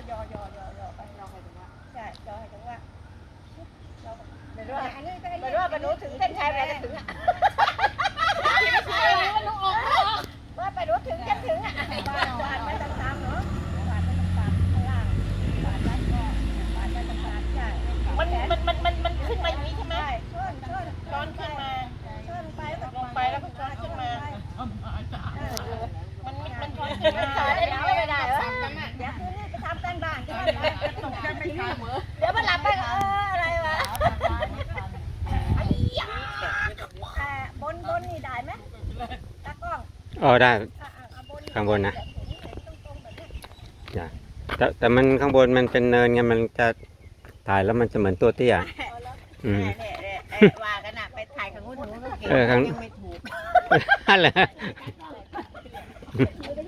ย่อไปย่อให้ถึงว่าใช่ย่อให้ถึงว่าไม่รู้ว่าไปรู้ถึงเส้นชัยไปจะถึงอ่ะว่าไปรู้ถึงจะถึงอ่ะวาดไปตามๆเนาะวาดไปตามๆข้างล่างวาดได้ก็วาดได้ตามๆใช่มันขึ้นมาอย่างนี้ใช่ไหมช้อนขึ้นมาช้อนไปลงไปแล้วก็ช้อนขึ้นมามันช้อนขึ้นมาได้แล้วไม่ได้เหรอเดี๋ยวคืนนี้ไปทำกันบ้านกันเดี๋ยวมันหลับไปก็อะไรวะบนนี่ได้ไหมตากล้องอ๋อได้ข้างบนนะแต่มันข้างบนมันเป็นเนินไงมันจะถ่ายแล้วมันจะเหมือนตัวเตี้ยว่ากันนะไปถ่ายข้างนู้นก็เก่งยังไม่ถูกอะไร